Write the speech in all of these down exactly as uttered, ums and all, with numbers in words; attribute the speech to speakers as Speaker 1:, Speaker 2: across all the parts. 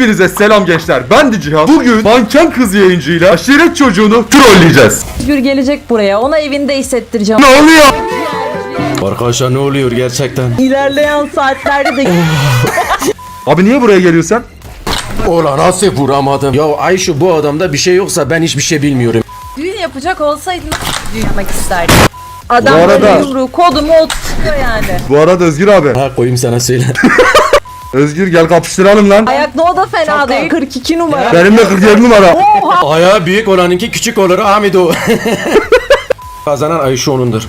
Speaker 1: Hepinize selam gençler. Ben de Cihan. Bugün manken kız yayıncıyla aşiret çocuğunu trolleyeceğiz.
Speaker 2: Özgür gelecek buraya. Ona evinde hissettireceğim.
Speaker 1: Ne oluyor?
Speaker 3: Arkadaşlar ne oluyor gerçekten?
Speaker 2: İlerleyen saatlerde de...
Speaker 1: Abi niye buraya geliyorsun?
Speaker 3: Ola nasıl vuramadım? Ya Ayşe bu adamda bir şey yoksa ben hiçbir şey bilmiyorum.
Speaker 2: Düğün yapacak olsaydın düğün yapmak isterdim. Adam
Speaker 1: Bu arada-
Speaker 2: böyle yumruğu kodumu oturtuyor yani.
Speaker 1: Bu arada Özgür abi.
Speaker 3: Ha koyayım sana söyle.
Speaker 1: Özgür gel kapıştıralım lan.
Speaker 2: Ayak no da fena değil. kırk iki numara.
Speaker 1: Benim de kırk yedi numara.
Speaker 3: Ayağı büyük olanınki küçük olur Ahmet o. Kazanan Ayşe onundur.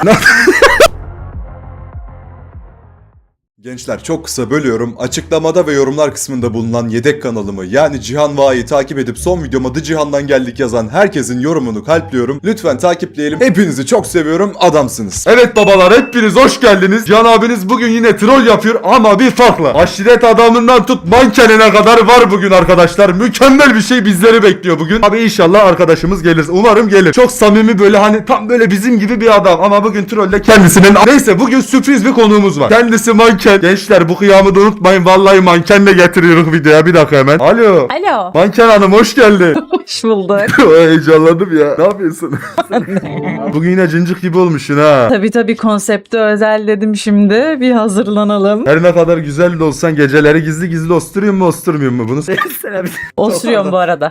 Speaker 4: Gençler çok kısa bölüyorum. Açıklamada ve yorumlar kısmında bulunan yedek kanalımı yani Cihan Va'yı takip edip son videoma da Cihan'dan geldik yazan herkesin yorumunu kalpliyorum. Lütfen takipleyelim. Hepinizi çok seviyorum. Adamsınız.
Speaker 1: Evet babalar hepiniz hoş geldiniz. Cihan abiniz bugün yine troll yapıyor ama bir farkla. Aşiret adamından tut mankenine kadar var bugün arkadaşlar. Mükemmel bir şey bizleri bekliyor bugün. Abi inşallah arkadaşımız gelir. Umarım gelir. Çok samimi böyle hani tam böyle bizim gibi bir adam ama bugün trolle kendisinin... Neyse bugün sürpriz bir konuğumuz var. Kendisi manken. Gençler bu kıyamı da unutmayın. Vallahi mankenle getiriyoruz videoya. Bir dakika hemen. Alo.
Speaker 2: Alo.
Speaker 1: Manken hanım hoş geldin.
Speaker 2: Hoş bulduk.
Speaker 1: Heyecanlandım ya. Ne yapıyorsun? Bugün yine cincik gibi olmuşsun ha.
Speaker 2: Tabii tabii konsepti özel dedim şimdi. Bir hazırlanalım.
Speaker 1: Her ne kadar güzel de olsan geceleri gizli gizli osturuyor mu osturmuyor mu bunu?
Speaker 2: Osuruyorum bu arada.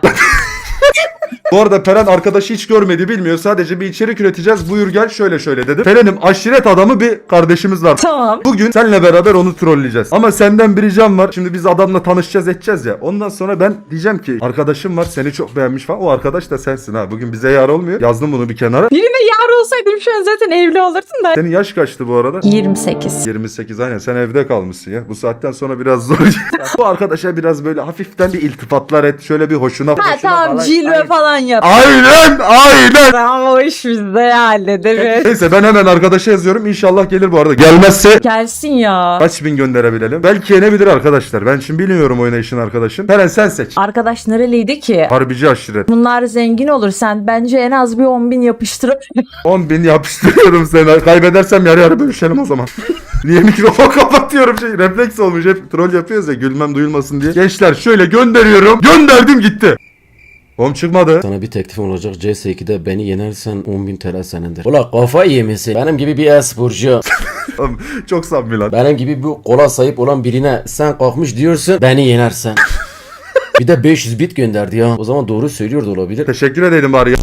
Speaker 1: Bu arada Peren arkadaşı hiç görmedi bilmiyor. Sadece bir içerik üreteceğiz. Buyur gel şöyle şöyle dedim. Peren'im aşiret adamı bir kardeşimiz var.
Speaker 2: Tamam.
Speaker 1: Bugün seninle beraber onu trolleyeceğiz. Ama senden bir ricam var. Şimdi biz adamla tanışacağız edeceğiz ya. Ondan sonra ben diyeceğim ki arkadaşım var seni çok beğenmiş falan. O arkadaş da sensin ha. Bugün bize yar olmuyor. Yazdım bunu bir kenara.
Speaker 2: Birine yar olsaydım şu an zaten evli olurdun da.
Speaker 1: Senin yaş kaçtı bu arada?
Speaker 2: yirmi sekiz.
Speaker 1: yirmi sekiz aynen sen evde kalmışsın ya. Bu saatten sonra biraz zor. Bu arkadaşa biraz böyle hafiften bir iltifatlar et. Şöyle bir hoşuna.
Speaker 2: Ha
Speaker 1: hoşuna
Speaker 2: tamam
Speaker 1: falan-
Speaker 2: cilve falan yap.
Speaker 1: Aynen aynen.
Speaker 2: Tamam o iş bizde hallederiz.
Speaker 1: Neyse ben hemen arkadaşa yazıyorum. İnşallah gelir bu arada. Gelmezse
Speaker 2: Gelsin ya.
Speaker 1: kaç bin gönderebilelim? Belki yenebilir arkadaşlar. Ben şimdi bilmiyorum oynayışın arkadaşın. Peren sen seç.
Speaker 2: Arkadaş nereliydi ki?
Speaker 1: Harbici aşiret.
Speaker 2: Bunlar zengin olur. Sen bence en az bir on bin yapıştır.
Speaker 1: on bin yapıştırıyorum seni. Kaybedersem yarı yarı bölüşelim o zaman. Niye mikrofon kapatıyorum şey refleks olmuş hep troll yapıyoruz ya gülmem duyulmasın diye. Gençler şöyle gönderiyorum. Gönderdim gitti. Oğlum çıkmadı.
Speaker 3: Sana bir teklifim olacak. C S iki'de beni yenersen on bin T L senindir. Ulan kafayı yemesin. Benim gibi bir e-sporcu.
Speaker 1: Oğlum, çok samimi lan.
Speaker 3: Benim gibi bu kola sahip olan birine sen kalkmış diyorsun beni yenersen. Bir de beş yüz bit gönderdi ya. O zaman doğru söylüyor da olabilir.
Speaker 1: Teşekkür ederim bari ya.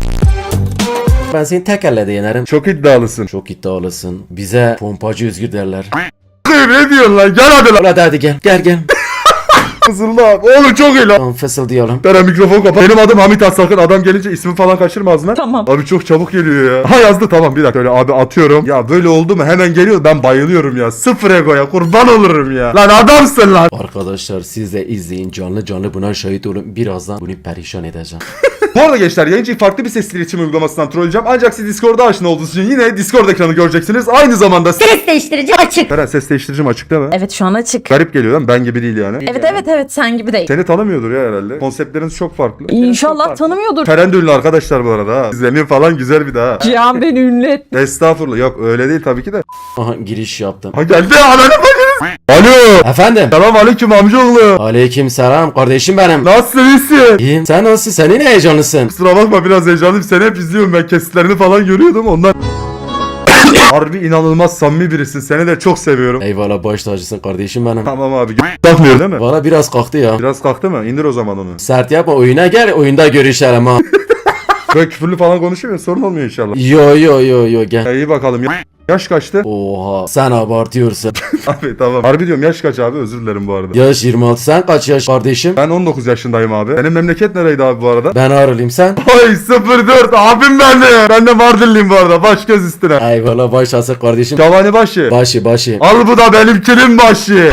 Speaker 3: Ben seni tek elle de yenerim.
Speaker 1: Çok iddialısın.
Speaker 3: Çok iddialısın. Bize pompacı Özgür derler.
Speaker 1: Ne diyorsun lan? Gel hadi lan.
Speaker 3: Ulan hadi gel. Gel gel.
Speaker 1: Fısıldı abi. Oğlum çok iyi lan.
Speaker 3: Tamam fısıldayalım.
Speaker 1: Peren mikrofon kapat. Benim adım Hamit Asakın. Adam gelince ismi falan kaçırma ağzına.
Speaker 2: Tamam.
Speaker 1: Abi çok çabuk geliyor ya. Ha yazdı tamam bir dakika öyle abi atıyorum. Ya böyle oldu mu hemen geliyor ben bayılıyorum ya. Sıfır egoya kurban olurum ya. Lan adamsın lan.
Speaker 3: Arkadaşlar siz de izleyin canlı canlı buna şahit olun. Birazdan bunu perişan edeceğim.
Speaker 1: Bu arada gençler yayıncıyı farklı bir sesli iletişim uygulamasından trolleyeceğim. Ancak siz Discord'da aşina olduğunuz için yine Discord ekranı göreceksiniz. Aynı zamanda
Speaker 5: Ses değiştirici açık.
Speaker 1: Peren ses değiştiricim açık değil mi?
Speaker 2: Evet şu an açık.
Speaker 1: Garip geliyor lan ben gibi değil yani.
Speaker 2: Evet evet evet sen gibi değil.
Speaker 1: Seni tanımıyordur ya herhalde. Konseptleriniz çok farklı.
Speaker 2: İnşallah tanımıyordur.
Speaker 1: Peren de ünlü arkadaşlar bu arada ha. İzleniyor falan güzel bir daha.
Speaker 2: Cihan beni ünlü etti.
Speaker 1: Estağfurullah yok öyle değil tabii ki de.
Speaker 3: Aha giriş yaptım.
Speaker 1: Ha geldi ananı bacınız. Alo.
Speaker 3: Efendim.
Speaker 1: Selam aleyküm amcaoğlu.
Speaker 3: Aleyküm selam kardeşim benim.
Speaker 1: Nasılsın iyisin?
Speaker 3: İyiyim. Sen nasılsın? Senin heyecanlısın.
Speaker 1: Kusura bakma biraz heyecanlıyım. Seni hep izliyorum ben kesitlerini falan görüyordum ondan. Harbi inanılmaz samimi birisin. Seni de çok seviyorum.
Speaker 3: Eyvallah baş tacısın kardeşim benim.
Speaker 1: Tamam abi. Kalkmıyor değil mi?
Speaker 3: Valla biraz kalktı ya.
Speaker 1: Biraz kalktı mı? İndir o zaman onu.
Speaker 3: Sert yapma oyuna gel oyunda görüşelim ha.
Speaker 1: Böyle küfürlü falan konuşuyor ya sorun olmuyor inşallah.
Speaker 3: Yo yo yo yo gel.
Speaker 1: Ya iyi bakalım. Ya- Yaş kaçtı?
Speaker 3: Oha sen abartıyorsun.
Speaker 1: Abi tamam. Harbi diyorum yaş kaç abi özür dilerim bu arada.
Speaker 3: Yaş yirmi altı sen kaç yaş kardeşim?
Speaker 1: Ben on dokuz yaşındayım abi. Senin memleket nereydi abi bu arada?
Speaker 3: Ben Ağrılıyım sen?
Speaker 1: Ay sıfır dört abim ben de. Ben de Mardinliyim bu arada. Baş göz üstüne.
Speaker 3: Eyvallah baş tacısın kardeşim.
Speaker 1: Cavani başı.
Speaker 3: Başı başı.
Speaker 1: Al bu da benimkinin başı.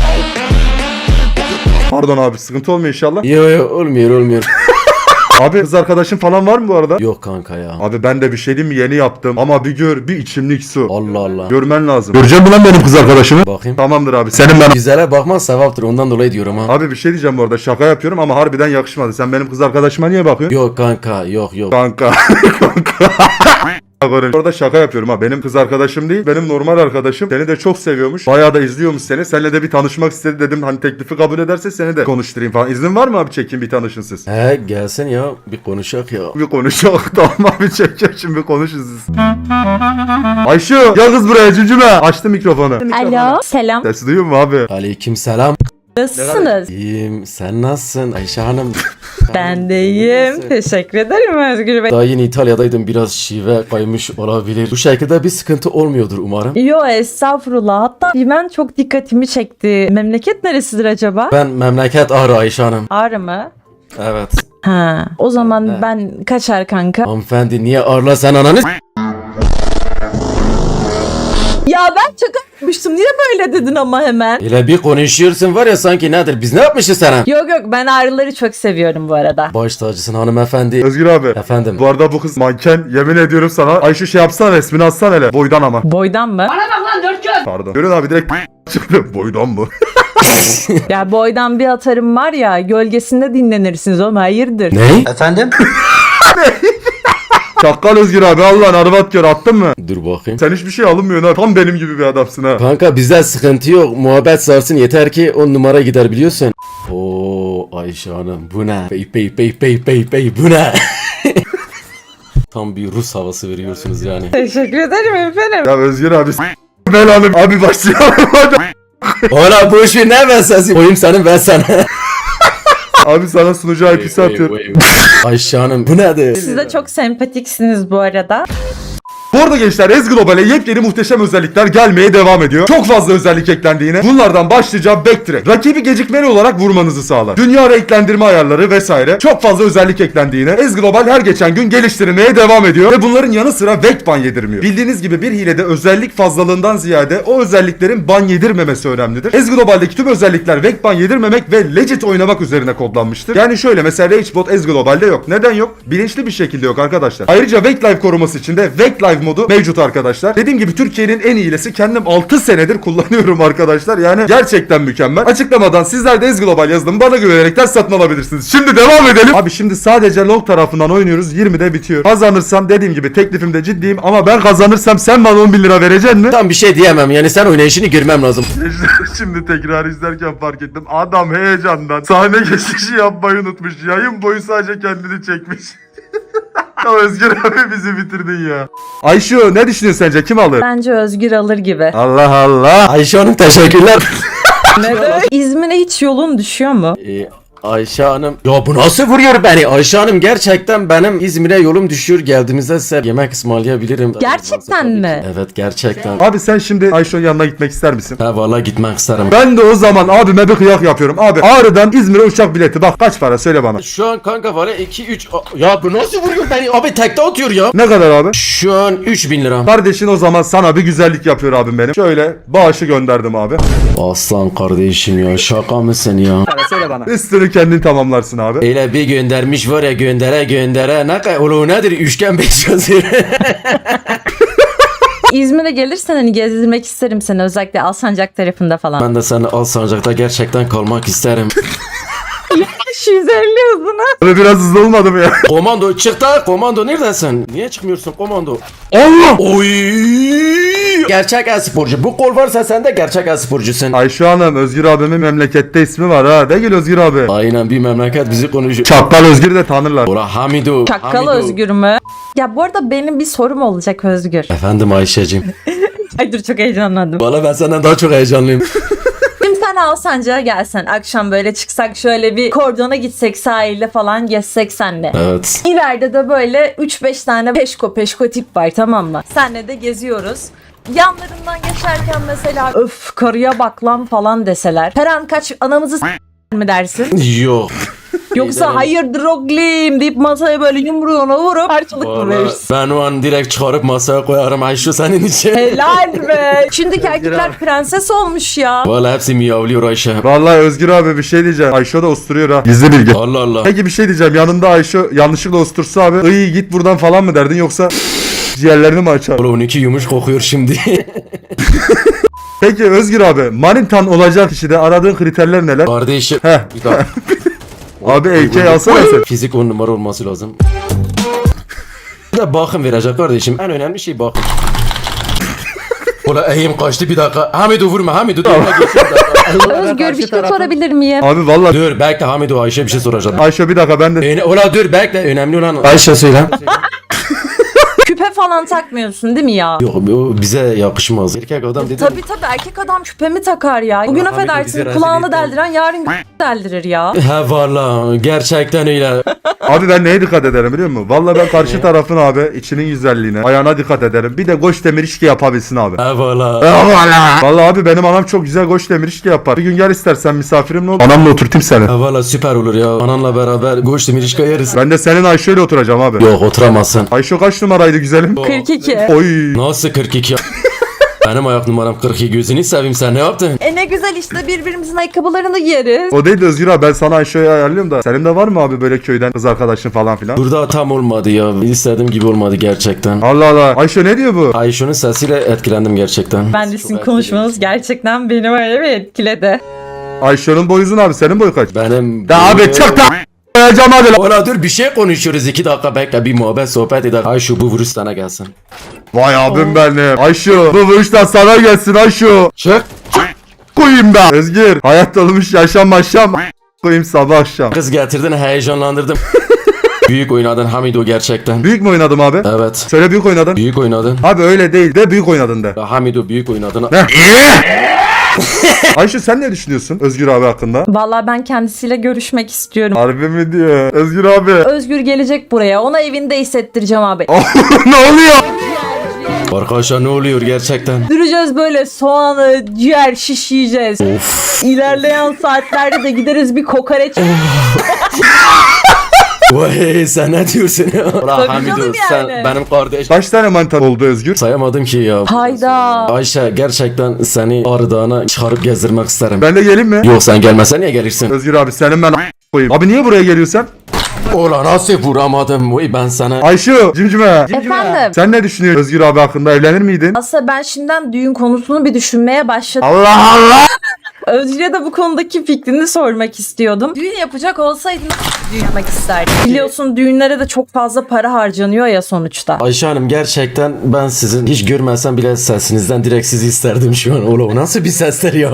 Speaker 1: Pardon abi sıkıntı olmuyor inşallah.
Speaker 3: Yo yo olmuyor olmuyor.
Speaker 1: Abi kız arkadaşın falan var mı bu arada?
Speaker 3: Yok kanka ya.
Speaker 1: Abi ben de bir şey diyeyim mi yeni yaptım ama bir gör bir içimlik su.
Speaker 3: Allah Allah.
Speaker 1: Görmen lazım. Göreceğim mi lan benim kız arkadaşımı?
Speaker 3: Bakayım.
Speaker 1: Tamamdır abi. Senin ben...
Speaker 3: Güzele bakman sevaptır ondan dolayı diyorum ha.
Speaker 1: Abi bir şey diyeceğim bu arada şaka yapıyorum ama harbiden yakışmadı. Sen benim kız arkadaşıma niye bakıyorsun?
Speaker 3: Yok kanka yok yok.
Speaker 1: Kanka. Kanka. Orada şaka yapıyorum ha. Benim kız arkadaşım değil. Benim normal arkadaşım. Seni de çok seviyormuş. Bayağı da izliyormuş seni. Seninle de bir tanışmak istedi dedim. Hani teklifi kabul ederse seni de konuşturayım falan. İzin var mı abi, çekin bir tanışın siz?
Speaker 3: He gelsin ya bir konuşak ya.
Speaker 1: Bir konuşalım. Tamam abi, çekin şimdi bir konuşun siz. Ayşe gel kız buraya cücüme. Açtı mikrofonu.
Speaker 2: Alo. Selam.
Speaker 1: Sesi duyuyor mu abi?
Speaker 3: Aleyküm selam.
Speaker 2: Nasılsınız?
Speaker 3: İyiyim. Sen nasılsın Ayşe Hanım?
Speaker 2: Ben de iyiyim. Teşekkür ederim Özgür Bey.
Speaker 3: Daha yeni İtalya'daydım. Biraz şive kaymış olabilir. Bu şekilde bir sıkıntı olmuyordur umarım.
Speaker 2: Yo estağfurullah. Hatta ben çok dikkatimi çekti. Memleket neresidir acaba?
Speaker 3: Ben memleket Ağrı Ayşe Hanım.
Speaker 2: Ağrı mı?
Speaker 3: Evet.
Speaker 2: Ha. O zaman
Speaker 3: Evet.
Speaker 2: ben kaçar kanka.
Speaker 3: Hanımefendi niye Ağrı'la sen ananı s-
Speaker 2: Ya ben çok yapmıştım. Niye böyle dedin ama hemen?
Speaker 3: Öyle bir konuşuyorsun var ya sanki nedir? Biz ne yapmışız sana?
Speaker 2: Yok yok, ben ağrıları çok seviyorum bu arada.
Speaker 3: Baş tacısın hanımefendi.
Speaker 1: Özgür abi.
Speaker 3: Efendim.
Speaker 1: Bu arada bu kız manken, yemin ediyorum sana. Ayşe şey yapsana, resmini atsana hele. Boydan ama.
Speaker 2: Boydan mı?
Speaker 1: Pardon. Görün abi direkt çıktı. Boydan mı?
Speaker 2: Ya boydan bir atarım var ya, gölgesinde dinlenirsiniz oğlum, hayırdır?
Speaker 3: Ne?
Speaker 5: Efendim?
Speaker 1: Çakkal Özgür abi, Allah'ın arvat gör, attın mı?
Speaker 3: Dur bakayım.
Speaker 1: Sen hiçbir şey alınmıyorsun ha. Tam benim gibi bir adamsın ha.
Speaker 3: Kanka bizde sıkıntı yok. Muhabbet sarsın yeter ki on numara gider biliyorsun. Oo Ayşe Hanım bu ne? Bey bey bey bey bey bey bu ne? Tam bir Rus havası veriyorsunuz yani.
Speaker 2: Teşekkür ederim efendim.
Speaker 1: Ya Özgür abi s- belanım. Abi başlayalım hadi.
Speaker 3: Ola bu işi ne ben sensin? Koyayım senin ben sana.
Speaker 1: Abi sana sunucu I P'si atıyorum.
Speaker 3: Ayşe Hanım bu nedir?
Speaker 2: Siz de çok sempatiksiniz bu arada.
Speaker 1: Bu arada gençler, Ez Global'e yepyeni muhteşem özellikler gelmeye devam ediyor. Çok fazla özellik eklendiğine. Bunlardan başlıca Backtrack. Rakibi gecikmeli olarak vurmanızı sağlar. Dünya renklendirme ayarları vesaire. Çok fazla özellik eklendiğine. Ez Global her geçen gün geliştirmeye devam ediyor. Ve bunların yanı sıra Vect ban yedirmiyor. Bildiğiniz gibi bir hilede özellik fazlalığından ziyade o özelliklerin ban yedirmemesi önemlidir. Ez Global'deki tüm özellikler Vect ban yedirmemek ve legit oynamak üzerine kodlanmıştır. Yani şöyle, mesela Ragebot Ez Global'de yok. Neden yok? Bilinçli bir şekilde yok arkadaşlar. Ayrıca Vect Live koruması için de Vect Live modu mevcut arkadaşlar. Dediğim gibi Türkiye'nin en iyilesi, kendim altı senedir kullanıyorum arkadaşlar. Yani gerçekten mükemmel. Açıklamadan sizler de Ez Global yazdım, bana güvenerekten satın alabilirsiniz. Şimdi devam edelim. Abi şimdi sadece log tarafından oynuyoruz. yirmide bitiyor. Kazanırsam dediğim gibi teklifimde ciddiyim, ama ben kazanırsam sen bana on bin lira vereceksin mi?
Speaker 3: Tam bir şey diyemem yani sen oynayışını görmem lazım.
Speaker 1: Şimdi tekrar izlerken fark ettim. Adam heyecandan sahne geçişi yapmayı unutmuş. Yayın boyu sadece kendini çekmiş. Ya Özgür abi bizi bitirdin ya. Ayşe ne düşünüyorsun sence, kim alır?
Speaker 2: Bence Özgür alır gibi.
Speaker 1: Allah Allah.
Speaker 3: Ayşe Hanım teşekkürler.
Speaker 2: Neden? İzmir'e hiç yolun düşüyor mu?
Speaker 3: Ee, Ayşe Hanım. Ya bu nasıl vuruyor beni? Ayşe Hanım gerçekten benim İzmir'e yolum düşüyor. Geldiğimizde size yemek ısmarlayabilirim.
Speaker 2: Gerçekten
Speaker 3: Tabii ki.
Speaker 2: mi?
Speaker 3: Evet gerçekten.
Speaker 1: Abi sen şimdi Ayşe'nin yanına gitmek ister misin?
Speaker 3: Ha valla gitmek isterim.
Speaker 1: Ben de o zaman abime bir kıyak yapıyorum. Abi Ağrı'dan İzmir'e uçak bileti bak kaç para, söyle bana.
Speaker 3: Şu an kanka var ya iki üç. Ya bu nasıl vuruyor beni? Abi tekte atıyor ya.
Speaker 1: Ne kadar abi?
Speaker 3: Şu an üç bin lira.
Speaker 1: Kardeşin o zaman sana bir güzellik yapıyor abim benim. Şöyle bağışı gönderdim abi.
Speaker 3: Aslan kardeşim ya şaka mısın ya?
Speaker 1: Üstünü kendin tamamlarsın abi.
Speaker 3: Öyle bir göndermiş var ya göndere göndere ne kadar oğlum nedir üçgen beş yazıyor.
Speaker 2: İzmir'e gelirsen hani gezdirmek isterim seni, özellikle Alsancak tarafında falan.
Speaker 3: Ben de seni Alsancak'ta gerçekten kalmak isterim.
Speaker 2: beş yüz elli hızına.
Speaker 1: Abi biraz hızlı olmadı mı ya?
Speaker 3: Komando çık da komando neredesin? Niye çıkmıyorsun komando?
Speaker 1: Allah!
Speaker 3: Oy! Gerçek e-sporcu. Bu kol varsa sen de gerçek e-sporcusun.
Speaker 1: Ayşe Hanım, Özgür abimin memlekette ismi var ha. De gel Özgür abi.
Speaker 3: Aynen bir memleket bizi konuşuyor.
Speaker 1: Çakkal Özgür'ü de tanırlar.
Speaker 3: Ora Hamido.
Speaker 2: Çakkal
Speaker 3: Hamido.
Speaker 2: Özgür mü? Ya bu arada benim bir sorum olacak Özgür.
Speaker 3: Efendim Ayşe'cim.
Speaker 2: Ay dur, çok heyecanlandım.
Speaker 3: Valla ben senden daha çok heyecanlıyım.
Speaker 2: Şimdi sen Alsancak'a gelsen, akşam böyle çıksak, şöyle bir kordona gitsek, sahilde falan gezsek senle.
Speaker 3: Evet.
Speaker 2: İleride de böyle üç beş tane peşko peşko tip var, tamam mı? Senle de geziyoruz. Yanlarından geçerken mesela öf karıya bak lan falan deseler. Her an kaç anamızı s- mi dersin?
Speaker 3: Yok.
Speaker 2: Yoksa hayırdır oglim deyip masaya böyle yumruğuna vurup harçlık mı
Speaker 3: Vallahi
Speaker 2: verirsin?
Speaker 3: ben o an direkt çıkarıp masaya koyarım Ayşe senin için.
Speaker 2: Helal be. Şimdiki erkekler prenses olmuş ya.
Speaker 3: Valla hepsi miyavlıyor Ayşe.
Speaker 1: Vallahi Özgür abi bir şey diyeceğim. Ayşe de osturuyor ha. Gizli bilgi.
Speaker 3: Allah Allah.
Speaker 1: Peki bir şey diyeceğim. Yanında Ayşe yanlışlıkla ostursa abi, iyi git buradan falan mı derdin, yoksa ciğerlerini mi açar?
Speaker 3: Oğlum onunki yumuş kokuyor şimdi.
Speaker 1: Peki Özgür abi, manitan olacak kişide aradığın kriterler neler?
Speaker 3: Kardeşim.
Speaker 1: Heh.
Speaker 3: Bir dakika.
Speaker 1: Abi A K alsana sen.
Speaker 3: Fizik on numara olması lazım. Bir de bakım verecek kardeşim. En önemli şey bakım. Ola eğim kaçtı bir dakika. Hamido vurma Hamido. Dur,
Speaker 2: Özgür bir şey sorabilir miyim?
Speaker 1: Abi vallahi
Speaker 3: dur bekle Hamido Ayşe bir şey soracağım.
Speaker 1: Ayşe bir dakika ben de
Speaker 3: Öne, ola dur bekle önemli olan Ayşe söyle.
Speaker 2: Küpe falan takmıyorsun değil mi ya?
Speaker 3: Yok o bize yakışmaz. Erkek adam dedi.
Speaker 2: Tabii tabii erkek adam küpe mi takar ya? Bugün
Speaker 3: Ahmet de bizi
Speaker 2: affedersin
Speaker 3: rezil
Speaker 2: kulağını
Speaker 3: etti.
Speaker 2: deldiren yarın deldirir ya.
Speaker 3: He valla gerçekten öyle.
Speaker 1: Abi ben neye dikkat ederim biliyor musun? Vallahi ben karşı tarafın abi içinin güzelliğine, ayağına dikkat ederim. Bir de goş demir işki yapabilsin abi.
Speaker 3: He valla.
Speaker 1: Vallahi abi benim anam çok güzel goş demir işki yapar. Bir gün gel istersen misafirimle ol. Anamla oturtayım seni.
Speaker 3: He valla süper olur ya. Ananla beraber goş demir işka yeriz.
Speaker 1: Ben de senin Ayşe ile oturacağım abi.
Speaker 3: Yok oturamazsın.
Speaker 1: Ayşe kaç numaraydı güzelim?
Speaker 2: kırk iki.
Speaker 1: Oy.
Speaker 3: Nasıl kırk iki ya? Benim ayak numaram kırk iki gözünü seveyim sen ne yaptın?
Speaker 2: E ne güzel işte birbirimizin ayakkabılarını giyeriz.
Speaker 1: O değil de Özgür abi ben sana Ayşe'yi ayarlıyorum da. Senin de var mı abi böyle köyden kız arkadaşın falan filan?
Speaker 3: Burada tam olmadı ya. İstediğim gibi olmadı gerçekten.
Speaker 1: Allah Allah. Ayşe ne diyor bu?
Speaker 3: Ayşe'nin sesiyle etkilendim gerçekten.
Speaker 2: Ben de sizin konuşmanız gerçekten beni öyle bir etkiledi.
Speaker 1: Ayşe'nin boyu uzun abi. Senin boyu kaç?
Speaker 3: Benim...
Speaker 1: Da abi çık da koyacağım hadi lan.
Speaker 3: Ola dur bir şey konuşuyoruz iki dakika bekle bir muhabbet sohbet edelim. Ayşe bu virüs sana gelsin.
Speaker 1: Vay abim benim. Ayşe bu vuruştan sana gelsin Ayşe.
Speaker 3: Çık.
Speaker 1: Koyayım ben. Özgür. Hayat olmuş yaşam yaşam. Koyayım sabah akşam.
Speaker 3: Kız getirdin heyecanlandırdım. Büyük oynadın Hamido gerçekten.
Speaker 1: Büyük mü oynadım abi?
Speaker 3: Evet.
Speaker 1: Söyle büyük oynadın.
Speaker 3: Büyük oynadın.
Speaker 1: Abi öyle değil de büyük oynadın de.
Speaker 3: Ya Hamido büyük oynadın.
Speaker 1: Ne? Ayşe sen ne düşünüyorsun Özgür abi hakkında?
Speaker 2: Vallahi ben kendisiyle görüşmek istiyorum.
Speaker 1: Harbi mi diyor? Özgür abi.
Speaker 2: Özgür gelecek buraya. Ona evinde hissettireceğim abi.
Speaker 1: ne oluyor?
Speaker 3: Arkadaşlar ne oluyor gerçekten?
Speaker 2: Duracağız böyle soğanı, ciğer, şiş yiyeceğiz. İlerleyen saatlerde de gideriz bir kokoreç.
Speaker 3: Vay sen ne diyorsun ya? Ulan
Speaker 2: Tabii
Speaker 3: Hamido
Speaker 2: canım
Speaker 3: sen
Speaker 2: yani.
Speaker 3: benim kardeş.
Speaker 1: Kaç tane manita oldu Özgür?
Speaker 3: Sayamadım ki ya.
Speaker 2: Hayda.
Speaker 3: Ayşe gerçekten seni Ağrı Dağı'na çıkarıp gezdirmek isterim.
Speaker 1: Ben de geleyim mi?
Speaker 3: Yok sen gelmesen niye gelirsin?
Speaker 1: Özgür abi senin ben koyayım. Abi niye buraya geliyorsun?
Speaker 3: Ola nasıl vuramadım? Vay ben sana.
Speaker 1: Ayşe cimcime.
Speaker 2: Efendim.
Speaker 1: Sen ne düşünüyorsun Özgür abi hakkında evlenir miydin?
Speaker 2: Aslında ben şimdiden düğün konusunu bir düşünmeye başladım.
Speaker 1: Allah Allah.
Speaker 2: Özgür'e de bu konudaki fikrini sormak istiyordum. Düğün yapacak olsaydın nasıl düğün yapmak isterdin? Biliyorsun düğünlere de çok fazla para harcanıyor ya sonuçta.
Speaker 3: Ayşe Hanım gerçekten ben sizin hiç görmesem bile sesinizden direkt sizi isterdim şu an. Ola o nasıl bir sesler ya?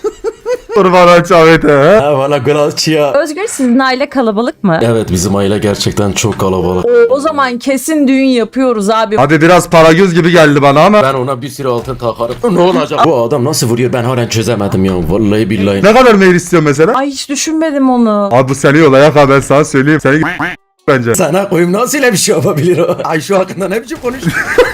Speaker 1: Kurban çavete he?
Speaker 3: Ha valla Galaçya.
Speaker 2: Özgür sizin aile kalabalık mı?
Speaker 3: Evet bizim aile gerçekten çok kalabalık.
Speaker 2: O zaman kesin düğün yapıyoruz abi.
Speaker 1: Abi biraz para göz gibi geldi bana ama.
Speaker 3: Ben ona bir sürü altın takarım. Ne olacak? Bu adam nasıl vuruyor ben halen çözemedim ya. Vallahi billahi.
Speaker 1: Ne kadar meyil istiyorsun mesela?
Speaker 2: Ay hiç düşünmedim onu.
Speaker 1: Abi bu seni yolayak ha ben sana söyleyeyim. Seni bence.
Speaker 3: Sana koyayım nasıl öyle bir şey yapabilir o? Ayşe hakkında ne biçim konuşuyor?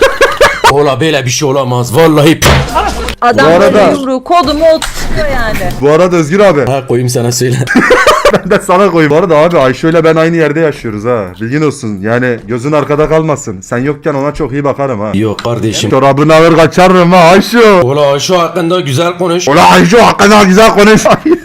Speaker 3: Ola böyle bir şey olamaz. Vallahi.
Speaker 2: Adam
Speaker 1: Bu arada-
Speaker 2: böyle yumruğu kodumu oturtuyor yani.
Speaker 1: Bu arada Özgür abi
Speaker 3: Ha koyayım sana söyle.
Speaker 1: ben de sana koyayım. Bu arada abi Ayşe ile ben aynı yerde yaşıyoruz ha. Bilgin olsun. Yani gözün arkada kalmasın. Sen yokken ona çok iyi bakarım ha.
Speaker 3: Yok kardeşim.
Speaker 1: Çorabını alır kaçarım ha Ayşe.
Speaker 3: Ola Ayşe hakkında güzel konuş.
Speaker 1: Ulan Ayşe hakkında güzel konuş.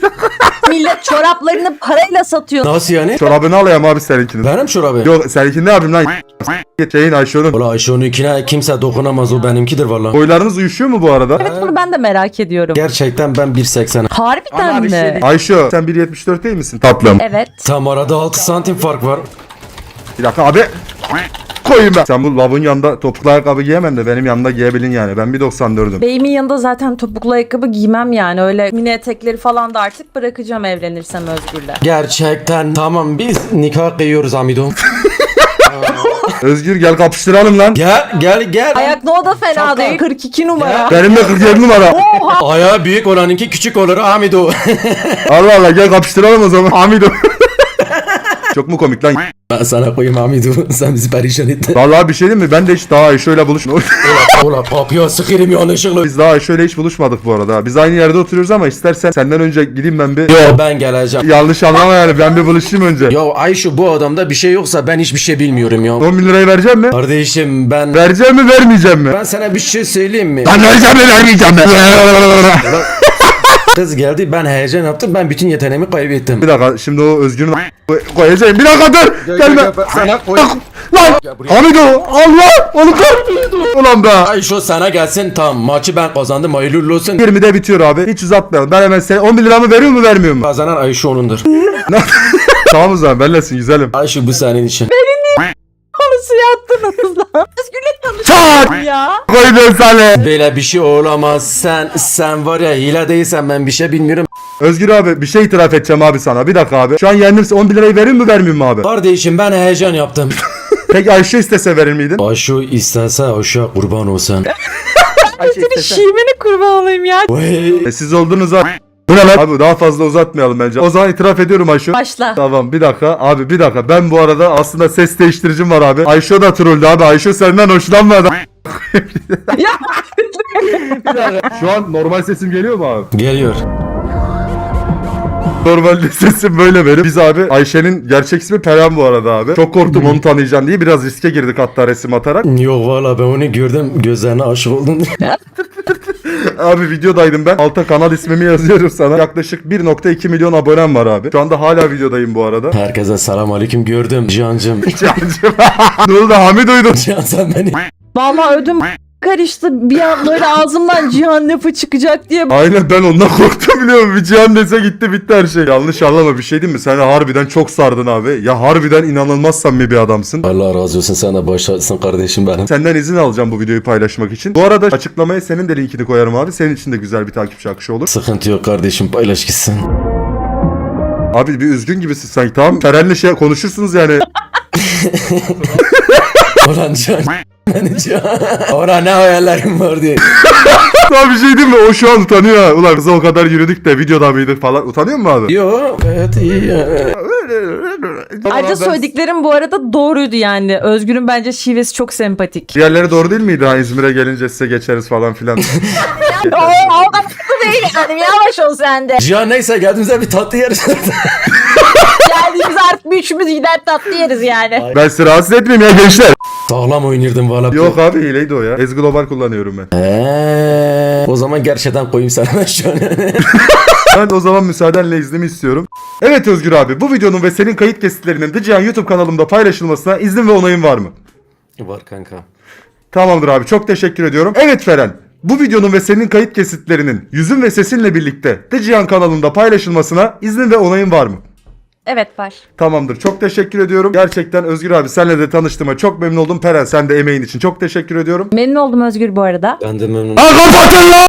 Speaker 2: Millet çoraplarını parayla satıyor.
Speaker 3: Nasıl yani?
Speaker 1: Çorabını alayım abi seninkini.
Speaker 3: Benim çorabı.
Speaker 1: Yok seninkini ne yapayım lan? Şeyin Ayşe'nin.
Speaker 3: Ola Ayşe onunkine kimse dokunamaz o benimkidir valla.
Speaker 1: Boylarınız uyuşuyor mu bu arada?
Speaker 2: Evet bunu ben de merak ediyorum.
Speaker 3: Gerçekten ben bir seksen.
Speaker 2: Harbiden mi?
Speaker 1: Ayşe sen bir yetmiş dört değil misin tatlım?
Speaker 2: Evet.
Speaker 3: Tam arada altı santim fark var.
Speaker 1: Bir dakika abi. Koyayım ben. Sen bu lavın yanında topuklu ayakkabı giyemem de benim yanında giyebilin yani. Ben bir doksan dördüm.
Speaker 2: Beyimin yanında zaten topuklu ayakkabı giymem yani. Öyle mini etekleri falan da artık bırakacağım evlenirsem Özgür'le.
Speaker 3: Gerçekten tamam biz nikah kıyıyoruz Amido.
Speaker 1: Özgür gel kapıştıralım lan.
Speaker 3: Gel gel gel.
Speaker 2: Ayak no da fena değil. kırk iki numara.
Speaker 1: Benim de kırk yedi numara.
Speaker 3: Ayağı büyük olanınki küçük olur Amido.
Speaker 1: Allah Allah gel kapıştıralım o zaman. Hamido. Çok mu komik lan?
Speaker 3: Ben sana koyayım Amido. Sen bizi perişan ettin.
Speaker 1: Vallahi bir şey değil mi? Ben de hiç daha Ayşe'yle buluşmadım.
Speaker 3: Ola papya sıkırım yanlışlıkla.
Speaker 1: Biz daha Ayşe'yle hiç buluşmadık bu arada. Biz aynı yerde oturuyoruz ama istersen senden önce gideyim ben bir...
Speaker 3: Yo ben geleceğim.
Speaker 1: Yanlış anlama yani ben bir buluşayım önce.
Speaker 3: Ya Ayşe bu adamda bir şey yoksa ben hiçbir şey bilmiyorum ya.
Speaker 1: on bin lirayı vereceğim mi?
Speaker 3: Kardeşim ben...
Speaker 1: Vereceğim mi vermeyeceğim mi?
Speaker 3: Ben sana bir şey söyleyeyim mi?
Speaker 1: Ben vereceğim mi vermeyeceğim mi?
Speaker 3: Kız geldi ben heyecan yaptım ben bütün yeteneğimi kaybettim.
Speaker 1: Bir dakika şimdi o Özgür'ün koyacağım. Bir dakika dur. Gelme.
Speaker 3: Sana koy.
Speaker 1: Lan. Hamido Allah. Onu kır. Ulan be.
Speaker 3: Ayşe sana gelsin tamam maçı ben kazandım hayırlı olsun.
Speaker 1: yirmide bitiyor abi. Hiç uzatmayalım. Ben hemen sen on bin liramı veriyor mu vermiyor mu?
Speaker 3: Kazanan Ayşe onundur.
Speaker 1: Tamam o zaman benlesin güzelim.
Speaker 3: Ayşe bu senin için.
Speaker 2: suya attınız lan. Özgür'le
Speaker 1: Çat!
Speaker 2: tanıştım ya.
Speaker 1: Koydun sana.
Speaker 3: Böyle bir şey olamaz. Sen sen var ya hile değilsen ben bir şey bilmiyorum.
Speaker 1: Özgür abi bir şey itiraf edeceğim abi sana. Bir dakika abi. Şu an yendimse on bir lirayı verir mi vermeyeyim mi abi?
Speaker 3: Kardeşim ben heyecan yaptım.
Speaker 1: Peki Ayşe istese verir miydin?
Speaker 3: Aşu istense aşağı kurban olsan.
Speaker 1: Ayşe
Speaker 2: Senin şivene kurban olayım ya.
Speaker 3: Vay.
Speaker 1: E, siz oldunuz abi. Bu ne lan? Abi daha fazla uzatmayalım bence. O zaman itiraf ediyorum Ayşe.
Speaker 2: Başla.
Speaker 1: Tamam bir dakika abi bir dakika. Ben bu arada aslında ses değiştiricim var abi. Ayşe da trolldü abi. Ayşe senden hoşlanmadı.
Speaker 2: Ya
Speaker 1: Şu an normal sesim geliyor mu abi?
Speaker 3: Geliyor.
Speaker 1: Normalde sesim böyle benim. Biz abi Ayşe'nin gerçek ismi Perihan bu arada abi. Çok korktum onu tanıyacağım diye biraz riske girdik hatta resim atarak.
Speaker 3: Yok valla ben onu gördüm gözlerine aşık oldum.
Speaker 1: Abi videodaydım ben. Alta kanal ismimi yazıyorum sana. Yaklaşık bir nokta iki milyon abonem var abi. Şu anda hala videodayım bu arada.
Speaker 3: Herkese selam aleyküm gördüm Cihan'cım.
Speaker 1: Cancım. Ne oldu Hamid duydum.
Speaker 3: Cihan sen beni.
Speaker 2: vallahi ödüm karıştı. Bir an böyle ağzımdan Cihan lafı çıkacak diye.
Speaker 1: Aynen ben ondan korktum biliyor musun? Bir Cihan dese gitti bitti her şey. Yanlış anlama bir şey değil mi? Sen harbiden çok sardın abi. Ya harbiden inanılmaz samimi bir adamsın.
Speaker 3: Allah razı olsun sen de başlasın kardeşim benim.
Speaker 1: Senden izin alacağım bu videoyu paylaşmak için. Bu arada açıklamaya senin de linkini koyarım abi. Senin için de güzel bir takipçi akışı olur.
Speaker 3: Sıkıntı yok kardeşim paylaş gitsin.
Speaker 1: Abi bir üzgün gibisin sanki tamam. Feren'le şey konuşursunuz yani.
Speaker 3: Ulan Cihan. Beni Cihan. Ora ne hayallerim var diye.
Speaker 1: Daha bir şey değil mi? O şu an utanıyor ha. Ulan kıza o kadar yürüdük de videoda mıydık falan. Utanıyor mu abi?
Speaker 3: Yo gayet iyi ya.
Speaker 2: Ayrıca söylediklerim bu arada doğruydu yani. Özgür'ün bence şivesi çok sempatik.
Speaker 1: Diğerleri doğru değil miydi? Ha İzmir'e gelince size geçeriz falan filan.
Speaker 2: Oo, o kadar da değil yani. Yavaş ol sen de.
Speaker 3: Cihan neyse geldiğimizde bir tatlı yeriz.
Speaker 2: Geldiğimiz artık bir üçümüz gider tatlı yeriz yani.
Speaker 1: Ben sizi rahatsız etmeyeyim ya gençler.
Speaker 3: Sağlam oynardım valla.
Speaker 1: Yok abi hileydi o ya. Ez Global kullanıyorum ben.
Speaker 3: Eee, o zaman gerçekten koyayım sana ben şu an.
Speaker 1: Ben o zaman müsaadenle iznimi istiyorum. Evet Özgür abi bu videonun ve senin kayıt kesitlerinin The Cihan YouTube kanalımda paylaşılmasına izin ve onayın var mı?
Speaker 3: Var kanka.
Speaker 1: Tamamdır abi çok teşekkür ediyorum. Evet Feren. Bu videonun ve senin kayıt kesitlerinin yüzün ve sesinle birlikte The Cihan kanalında paylaşılmasına iznin ve onayın var mı?
Speaker 2: Evet var.
Speaker 1: Tamamdır. Çok teşekkür ediyorum. Gerçekten Özgür abi senle de tanıştığıma çok memnun oldum. Peren sen de emeğin için çok teşekkür ediyorum.
Speaker 2: Memnun oldum Özgür bu arada.
Speaker 3: Ben de memnunum.
Speaker 1: Ha kapatın lan!